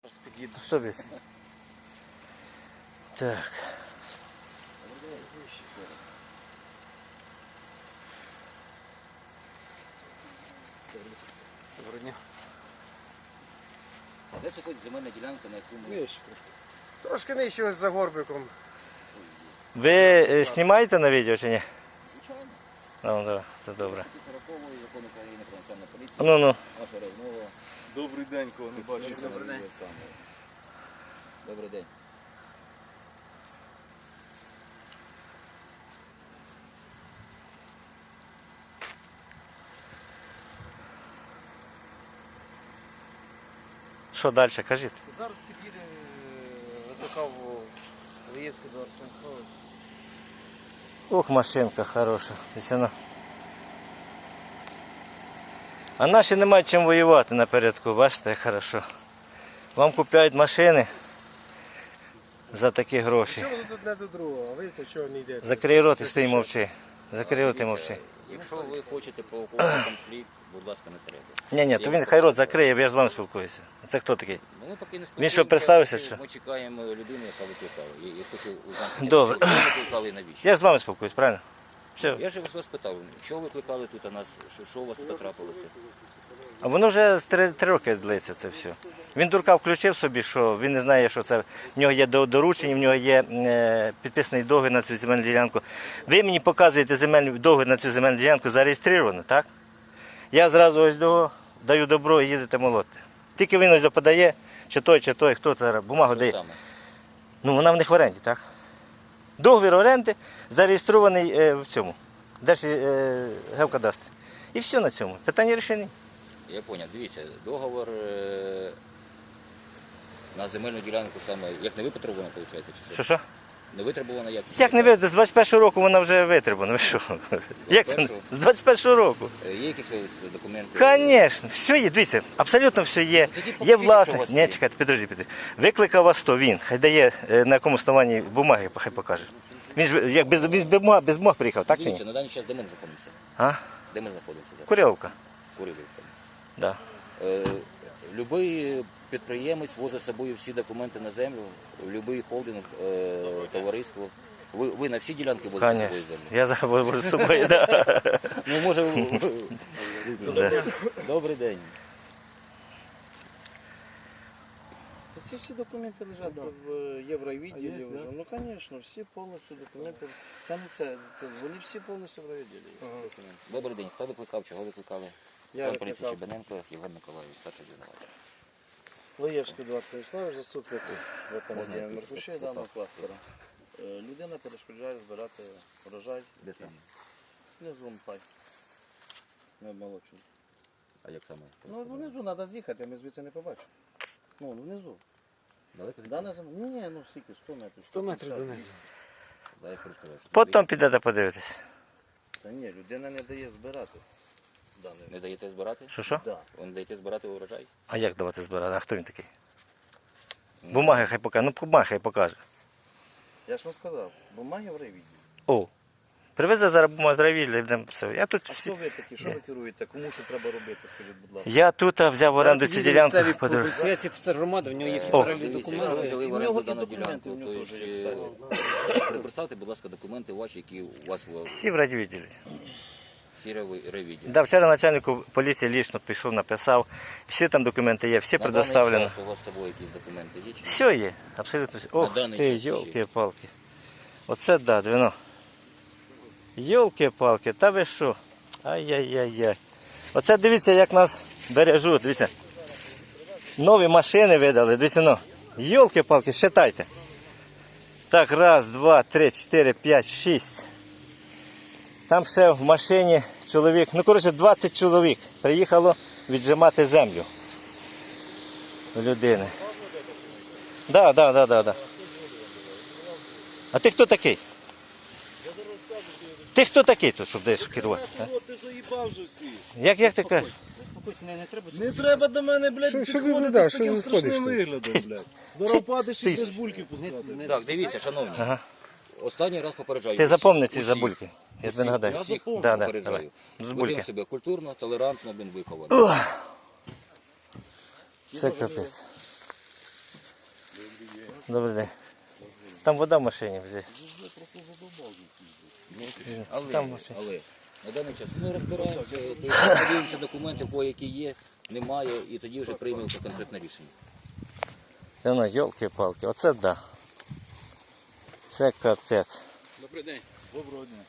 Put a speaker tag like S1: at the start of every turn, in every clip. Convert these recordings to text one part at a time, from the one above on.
S1: Хто без? Так.
S2: Доброго дня.
S3: А де сьогодні земельна ділянка, на яку ми...
S2: Трошки нижче ось за горбиком.
S1: Ви знімаєте на відео чи ні?
S3: Звичайно.
S1: Ну, да, це добре.
S3: 40-ї закон України про національну поліцію.
S1: Ну.
S3: Наша розмова.
S2: Добрий день, кого не бачив.
S3: Добрий день. Добрий день.
S1: Що далі, кажіть?
S2: Зараз під'їде Рацакав Лиєвський до Арсенкович.
S1: Ох, машинка хороша. Віцяна. А наші не мають чим воювати напередку, бачите, як хорошо. Вам купляють машини за такі гроші.
S2: Що ви тут не до другого, а ви то чого не йдете?
S1: Закрий рот і стій мовчи. Закрий рот і мовчи.
S3: Якщо ви хочете провокувати конфлікт, будь ласка, не треба.
S1: Ні, то він хай рот закриє, я ж з вами спілкуюся. Це хто такий?
S3: Ну, ми поки не
S1: Він що, представився, що?
S3: Ми чекаємо людину, яка викликала. Я хочу узнати,
S1: Добре.
S3: що ви викликали і навіщо.
S1: Я ж з вами спілкуюсь, правильно? Все.
S3: Я ж вас питав, що ви викликали тут у нас, що у вас тут трапилося?
S1: А воно вже 3 роки длиться це все. Він дурка включив собі, що він не знає, що це. В нього є доручення, в нього є підписаний договір на цю земельну ділянку. Ви мені показуєте договір на цю земельну ділянку зареєстровано, так? Я зразу ось даю добро і їдете молоти. Тільки він ось подає, чи той, хто це бумагу
S3: Що
S1: дає.
S3: саме?
S1: Ну, вона в них в оренді, так? Договір оренди зареєстрований в цьому, Держгеокадастрі. І все на цьому. Питання рішені.
S3: Я зрозумів. Дивіться, договор на земельну ділянку саме, як не витребувано, виходить, чи що?
S1: Що?
S3: Не витребувано як?
S1: Як не ви, з 21-го року вона вже витребувана. Ви що? Як це? З 21-го року.
S3: Є якісь ось документи?
S1: Звісно, все є, дивіться, абсолютно все є.
S3: Тоді
S1: Є
S3: покажіть,
S1: власник.
S3: що у вас
S1: Ні,
S3: є.
S1: чекайте, підожди. Викликав вас то він, хай дає на якому основанні бумаги, хай покаже. Він ж як без бумаг приїхав, так чи
S3: Дивіться,
S1: ні?
S3: на даний час де ми знаходимося?
S1: А?
S3: Де ми знаходимося? зараз?
S1: Курявка.
S3: Курилівка.
S1: Да.
S3: Любий підприємець возить з собою всі документи на землю, будь-який холдинг, товариство. Ви на всі ділянки возите з собою
S1: Конечно.
S3: землю?
S1: Я зараз буду з собою, да.
S3: Ну, може,
S1: Да.
S3: добрий день.
S4: Ці всі документи лежать в євровідділі вже. Ну, звісно, всі повністю документи. Це не це, вони всі повністю в райвідділі.
S3: Добрий день. Хто викликав? Чого викликали?
S4: Я
S3: Пан поліції
S4: викликав.
S3: Чебаненко, Євген Миколаївич, старший звинувачений.
S4: Лаєвський 20 Вячеслав, заступник виконання
S3: Можна
S4: Меркуші
S3: я
S4: даного кластера. Людина перешкоджає збирати врожай.
S3: Де саме?
S4: Внизу пай. Не молодший.
S3: А як саме?
S4: Ну, внизу треба з'їхати, ми звідси не побачимо. Ну, внизу.
S3: Далеко?
S4: Дана земля. Ні, ну скільки, 100 метрів.
S2: 100 метрів до неї.
S3: Да, я хочу сказати, що
S1: Потім підете подивитись.
S4: Та ні, людина не дає збирати. Дане.
S3: не даєте збирати?
S1: Що?
S4: Да.
S3: Ви не даєте збирати урожай?
S1: А як давати збирати? А хто він такий? Бумаги хай покаже. Ну, бумаги хай покаже.
S4: Я ж вам сказав, бумаги в райвідділі.
S1: О, привезе зараз бумагу з райвідділля і будемо все. Я тут
S4: А
S1: всі...
S4: хто ви такі? Що ви керуєте? Кому що треба робити, скажіть, будь ласка.
S1: Я тут взяв в оренду цю ділянку.
S5: Це офіцер громади, в нього є всі
S1: О.
S5: перелік
S3: Дивіться,
S5: документів.
S3: ви взяли в
S4: І в
S3: оренду
S4: нього і
S3: дану
S4: документи
S3: ділянку.
S4: в нього теж є,
S3: Тобто, представте, будь ласка, документи ваші, які у вас
S1: Всі в райвідділі.
S3: всі ревіді.
S1: Да, вчора начальнику поліції лічно пішов, написав. Всі там документи є, всі предоставлені.
S3: У вас з собою якісь документи є? Чи ні?
S1: Все є, абсолютно все. Ох
S3: даний
S1: ти,
S3: час ще є.
S1: йолки-палки. Оце да, двіно. Йолки-палки, та ви що? Ай-яй-яй-яй. Оце дивіться, як нас бережуть, дивіться. Нові машини видали, дивіться, ну. Йолки-палки, считайте. Так, раз, два, три, чотири, п'ять, шість. Там ще в машині чоловік, ну, коротше, 20 чоловік приїхало віджимати землю у людини. Да. А ти хто такий? Ти хто такий тут, щоб десь керувати? а?
S2: Ти заїбав вже всі.
S1: Як ти кажеш?
S2: Не треба до мене, блядь, підходити з таким страшним виглядом, блядь. Зараз падиш і будеш бульки пускати.
S3: Так, дивіться, шановні.
S1: Ага.
S3: Останній раз попереджаю.
S1: Ти запомни ці
S3: усіх,
S1: забульки. Я тобі нагадаю.
S3: Я всіх
S1: Да,
S3: попереджаю.
S1: давай.
S3: Ведемо себе культурно, толерантно, виховано.
S1: Це капець. Добрий день. Там вода в машині вже. Там машина.
S3: Але на даний час ми розбираємося, подивимося документи, по які є, немає, і тоді вже приймемо конкретне рішення.
S1: Ну, йолки-палки, оце да. Це капець.
S5: Добрий день.
S2: Доброго дня.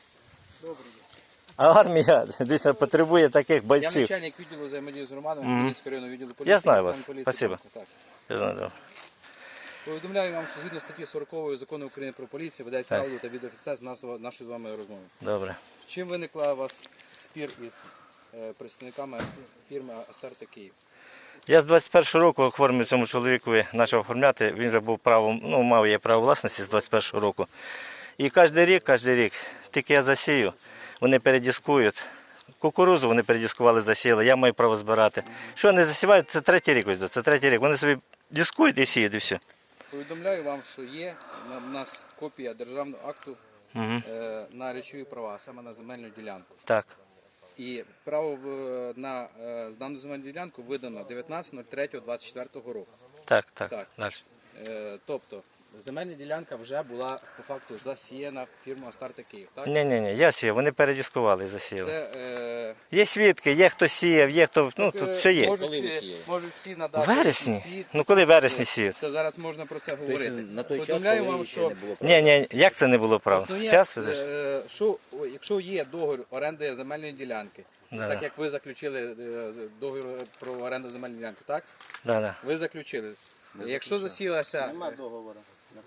S1: А армія, дійсно, потребує таких
S5: Я
S1: бойців.
S5: начальник відділу взаємодії з громадами Хмельницького районного відділу поліції.
S1: Я знаю
S5: капітан
S1: вас.
S5: поліції
S1: Спасибо.
S5: Банко, так.
S1: Я знаю.
S5: Повідомляю вам, що згідно статті 40 Закону України про поліцію ведеться
S1: Так.
S5: аудіо та відеофіксація нашої з вами розмови.
S1: Добре.
S5: Чим виникла у вас спір із представниками фірми Астарта Київ?
S1: Я з 21 року оформив цьому чоловікові, почав оформляти, він вже був правом, ну, мав я право власності з 21 року. І кожен рік, тільки я засію, вони передіскують. Кукурузу вони передіскували, засіяли, я маю право збирати. Що не засівають, це третій рік ось, це третій рік. Вони собі дискують і сіють, і все.
S5: Повідомляю вам, що є у нас копія державного акту
S1: Угу.
S5: на речові права, саме на земельну ділянку.
S1: Так.
S5: І право на дану земельну ділянку видано 19.03.24 року.
S1: Так.
S5: Так.
S1: Далі.
S5: Тобто земельна ділянка вже була по факту засіяна фірмою Астарта Київ. Так?
S1: Ні, я сію, вони передіскували і засіяли.
S5: Це
S1: Є свідки, є хто сіяв, є хто, ну тут все є.
S5: можуть,
S3: Коли ви сіяли?
S5: можуть всі
S1: У
S5: надати.
S1: вересні?
S5: свідки.
S1: Ну коли в вересні сіють?
S5: Це зараз можна про це говорити.
S3: Тобто на той час,
S5: Повідомляю
S3: коли
S5: вам,
S3: ще
S5: що
S3: не було права.
S1: Ні, як це не було права?
S5: основне,
S1: Зараз,
S5: якщо є договір оренди земельної ділянки,
S1: Да.
S5: так як ви заключили договір про оренду земельної ділянки, так?
S1: Да.
S5: Ви заключили. Якщо засілася...
S4: Нема договору.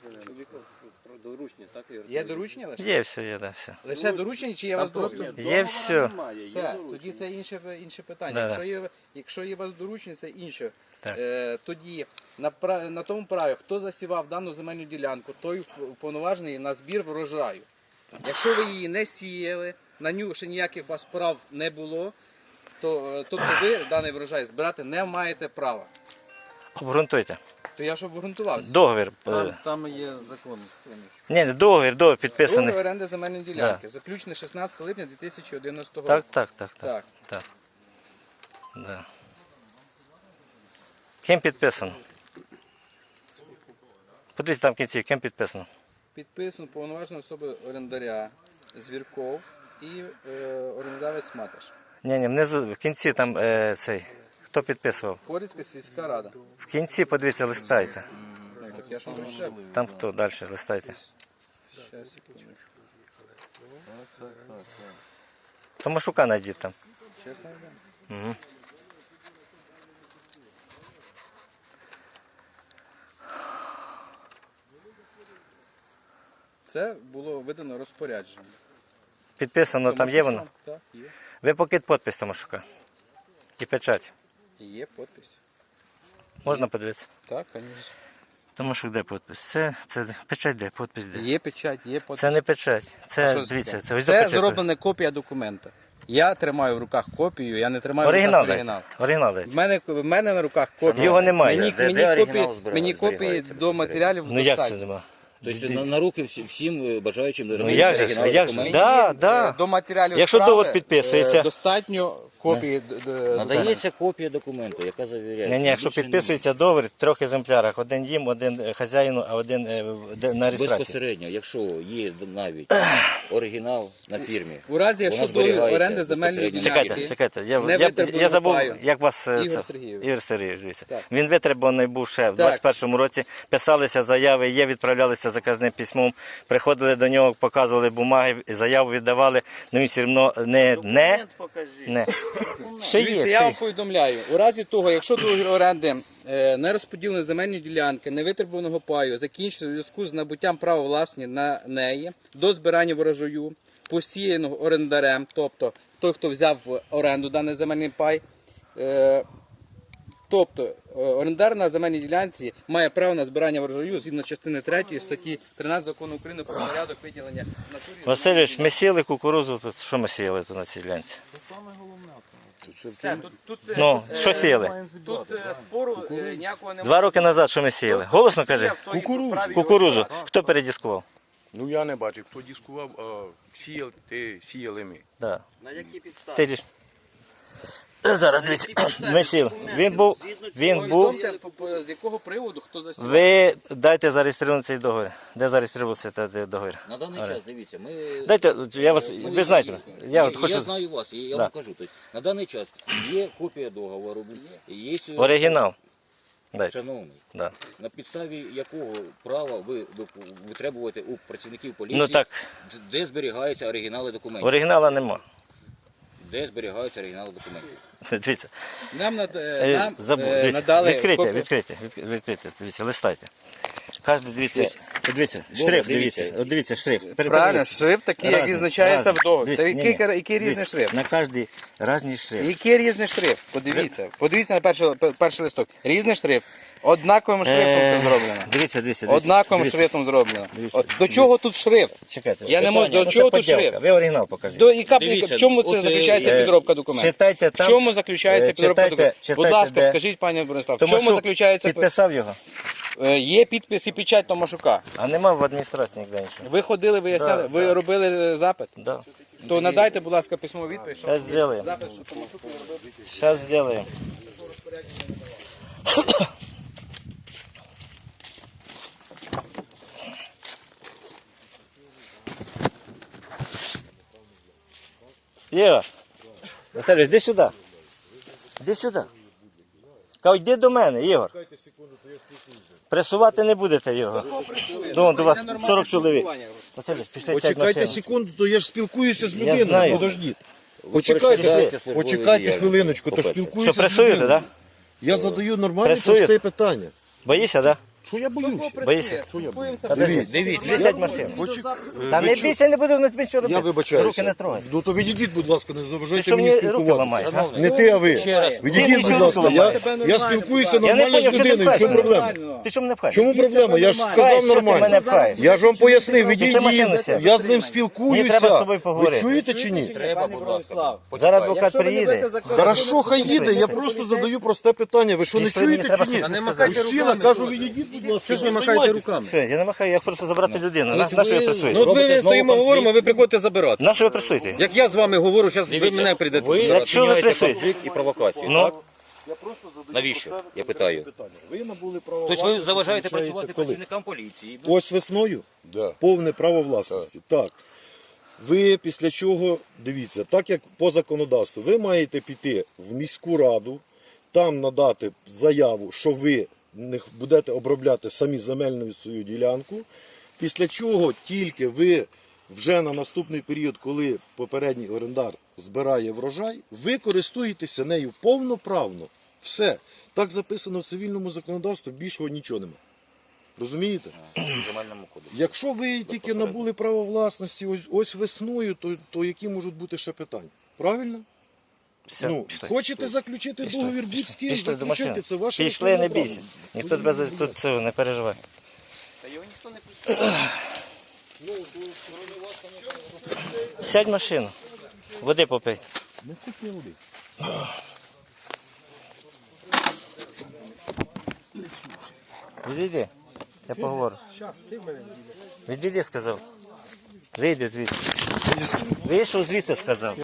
S5: Про доручення, так? Є доручення лише?
S1: Є все, є, да, все.
S5: Лише доручення чи є у вас договір?
S1: Є все.
S5: Все, тоді це інше питання.
S1: Да.
S5: Якщо є у вас доручення, це інше.
S1: Так.
S5: Тоді на тому праві, хто засівав дану земельну ділянку, той уповноважений на збір врожаю. Якщо ви її не сіяли, на нього ще ніяких у вас прав не було, то тобто ви даний врожай збирати не маєте права.
S1: Обґрунтуйте.
S5: То я ж обґрунтувався.
S1: Договір.
S2: Там є закон.
S1: Ні, договір підписаний.
S5: Договір оренди земельної ділянки, заключений 16 липня 2011 року.
S1: Так.
S5: Так.
S1: Да. Ким підписано? Подивіться там в кінці, ким підписано.
S5: Підписано повноважена особа орендаря Звірков і орендавець Маташ.
S1: Ні, внизу, в кінці там цей. Хто підписував?
S5: Порівська сільська рада.
S1: В кінці, подивіться, листайте.
S5: Я ж вам прочитав.
S1: Там хто? Далі листайте.
S5: Щас, секундочку.
S1: Томашука знайдіть там.
S5: Щас знайдемо.
S1: Угу.
S5: Це було видано розпорядження.
S1: Підписано, там є воно?
S5: Так, є.
S1: Ви покид підпис Томашука. І печать.
S5: Є підпис.
S1: Можна подивитися?
S5: Так, звісно.
S1: Томашук, де підпис? Це печать де, підпис де?
S5: Є печать, є підпис.
S1: Це не печать. Це,
S5: Що
S1: дивіться,
S5: таке?
S1: це ось
S5: Це
S1: печать.
S5: зроблена копія документа. Я тримаю в руках копію, я не тримаю
S1: Оригінал
S5: в руках оригінал.
S1: дайте. Оригінал дайте.
S5: В мене на руках копія.
S1: Його немає.
S5: Мені
S3: оригінал
S5: мені копії
S3: зберігається
S5: до матеріалів
S1: Ну як це
S5: достатньо.
S1: нема?
S3: Тобто на руки всім бажаючим
S1: Ну як же ж, як же? Да.
S5: До матеріалів
S1: Якщо
S5: справи,
S1: довод підписується.
S5: достатньо копії.
S3: Надається копія документу, яка завіряється.
S1: Ні, якщо
S3: Більше
S1: підписується договір в 3 екземплярах, один їм, один хазяїну, а один на реєстрації.
S3: безпосередньо, якщо є навіть оригінал на фірмі.
S5: У разі, якщо
S3: Вона
S5: договір
S3: зберігається
S5: оренди земельної
S3: безпосередньо.
S5: ділянки,
S1: Чекайте.
S5: не
S1: Я
S5: витребуваного
S1: забув,
S5: паю.
S1: як вас
S5: Ігор Сергійович.
S1: Ігор Сергійович, дивіться.
S5: Так.
S1: Він витребуваний був ще в
S5: Так.
S1: 21-му році. Писалися заяви, відправлялися заказним письмом, приходили до нього, показували бумаги, заяву віддавали, ну він все одно не. Ще
S5: Дивіться,
S1: є,
S5: я
S1: ще
S5: вам
S1: є.
S5: повідомляю, у разі того, якщо договір оренди не розподіленої земельної ділянки, невитребуваного паю, закінчиться у зв'язку з набуттям права власні на неї до збирання врожаю, посіяного орендарем, тобто той, хто взяв в оренду даний земельний пай, тобто орендар на земельній ділянці має право на збирання врожаю згідно частини 3 статті 13 Закону України про порядок виділення в натурі.
S1: Васильович, ми сіяли кукурузу, тут що ми сіяли тут на цій ділянці?
S5: Все, тут,
S1: Ну, що сіяли?
S5: Тут спору ніякого немає.
S1: 2 роки назад що ми сіяли? Голосно кажи.
S5: Кукурузу.
S1: Кукурузу. Хто передіскував?
S6: Ну я не бачив, хто дискував, сіяли ми.
S1: Да.
S5: На які підстави?
S1: Ти лиш... Зараз дивіться. Ми сіли. Він був.
S5: Повідомте, з якого приводу хто засівав.
S1: Ви дайте зареєструвати цей договір. Де зареєструвався цей договір?
S3: На даний час, дивіться, ми...
S1: Дайте, я вас, ви знаєте, я от
S3: Я
S1: хочу
S3: знаю вас, і я
S1: Да.
S3: вам кажу. Тобто, на даний час є копія договору, є
S1: оригінал. Дайте.
S3: шановний,
S1: Да.
S3: на підставі якого права ви витребуєте у працівників поліції,
S1: Ну так,
S3: де зберігаються оригінали документів?
S1: оригінала нема.
S3: Де зберігаються оригінали документів?
S1: Дивіться.
S5: Нам
S1: Дивіться,
S5: надали
S1: відкрийте, дивіться, листайте. Кожен, дивіться, шрифт, дивіться, шрифт.
S5: Правильно, шрифт такий, як
S1: Разний,
S5: відзначається в
S1: разний.
S5: договорі. Це
S1: Дивіться,
S5: який різний
S1: дивіться,
S5: шрифт?
S1: На кожній різний шрифт.
S5: Який різний шрифт? Подивіться на перший листок. Різний шрифт. Однаковим шрифтом це зроблено.
S1: Дивіться.
S5: Однаковим шрифтом зроблено.
S1: Дивіться,
S5: До чого тут шрифт?
S1: Чекайте,
S5: Я не можу,
S1: питання,
S5: до
S1: це
S5: чого тут
S1: подделка.
S5: шрифт?
S1: Ви оригінал покажіть.
S3: Дивіться,
S5: В чому це
S3: от,
S5: заключається підробка документів?
S1: Читайте
S5: В
S1: там.
S5: чому заключається підробка документів? Будь
S1: читайте,
S5: ласка,
S1: де.
S5: скажіть, пане Борислав, в
S1: Тому
S5: чому
S1: що
S5: заключається
S1: підписав його,
S5: Є підпис і печать Томашука.
S1: а нема в адміністрації ніде нічого.
S5: Ви ходили, виясняли,
S1: Да,
S5: ви
S1: да.
S5: робили запит?
S1: Да.
S5: То надайте, будь ласка, письмову відповідь. що
S1: Сейчас сделаем.
S5: запит, що Томашук робив.
S1: Сейчас сделаем. Єва, Васильович, іди сюди. Іди сюди. Кажу, йди до мене, Ігор. Пресувати не будете його. Ну, до вас 40 чоловік. Васильович, пішли сядь в
S2: Почекайте
S1: машину.
S2: секунду, то я ж спілкуюся з
S1: Я
S2: людиною.
S1: знаю.
S2: Подождіть.
S3: перешкоджаєте службовій
S2: Почекайте
S3: діяльності,
S2: хвилиночку, то
S3: по-перше.
S2: спілкуюся
S1: Що,
S2: з
S1: пресуєте,
S2: людиною.
S1: так?
S2: Я задаю нормальне
S1: Пресуєте?
S2: просте питання.
S1: Боїшся, так?
S2: Що я боюся?
S1: Боїшся?
S2: Дивіться.
S1: Дивіться, сядь в машину.
S2: Почек-
S1: Та не бійся, не буду на тобі що робити.
S2: Я вибачаюся.
S1: Руки не трогай.
S2: Ну то відійдіть, будь ласка, не
S1: Ти
S2: заважайте
S1: що
S2: мені
S1: мені руки
S2: спілкуватися.
S1: ламаєш, а?
S2: Не ти, а ви.
S3: Ще раз.
S1: Ти
S2: Відійдіть,
S1: мені
S2: будь
S1: руки
S2: ласка.
S1: ламаєш.
S2: Я спілкуюся
S1: Я не
S2: нормально
S1: поняв,
S2: з
S1: що ти
S2: людиною. В чому
S1: пхаєш
S2: проблема?
S1: Ти що мене пхаєш?
S2: Чому проблема? Я ж
S1: Пхаєш,
S2: сказав
S1: що ти мене
S2: нормально.
S1: пхаєш?
S2: Я ж вам пояснив,
S1: Пішли машину
S2: відійдіть.
S1: сядь.
S2: Я з ним спілкуюся.
S1: Мені треба з тобою поговорити.
S2: Ви чуєте чи ні?
S3: Треба, будь ласка.
S1: Зараз адвокат приїде.
S2: Хорошо, хай їде, я просто задаю просте питання. Ви що не
S1: Пішли, мені
S2: чуєте
S1: треба
S2: чи ні?
S1: щось
S2: Мужчина, кажу, відійдіть, будь ласка. Що ви махаєте руками?
S1: Все, я не махаю, я хочу забрати людину. На що ви
S3: Ну,
S1: працюєте?
S3: от ми
S6: Ми стоїмо, говоримо, ви приходите забирати.
S1: На що ви працюєте?
S6: Як я з вами говорю, зараз ви мене прийдете
S3: Ви
S6: забирати.
S1: Якщо ви
S3: вчиняєте
S1: присутні.
S3: конфлікт і провокацію,
S1: Ну.
S3: так? Навіщо? Я питаю.
S2: Ви набули право
S3: Тобто ви заважаєте
S2: власності,
S3: працювати
S2: коли?
S3: працівникам поліції.
S2: Ось весною? Повне право власності. Так. Ви після чого, дивіться, так як по законодавству, ви маєте піти в міську раду, там надати заяву, що ви не будете обробляти самі земельну свою ділянку, після чого тільки ви вже на наступний період, коли попередній орендар збирає врожай, ви користуєтеся нею повноправно. Все. Так записано в цивільному законодавстві, більшого нічого немає. Розумієте?
S3: В земельному кодексі.
S2: Якщо ви тільки набули право власності ось весною, то які можуть бути ще питання? Правильно?
S1: Все,
S2: Ну,
S1: пішли.
S2: хочете заключити
S1: Пішли,
S2: договір будь-з ким,
S1: Пішли до машини.
S2: заключайте, це ваше
S1: Пішли, не
S2: право.
S1: бійся. Ніхто тебе тут цього не переживає. Сядь в машину. Води попий.
S2: Не хотів би.
S1: Відійди. Я поговорю. Відійди, сказав. Вийди звідси. Вийшов звідси, сказав.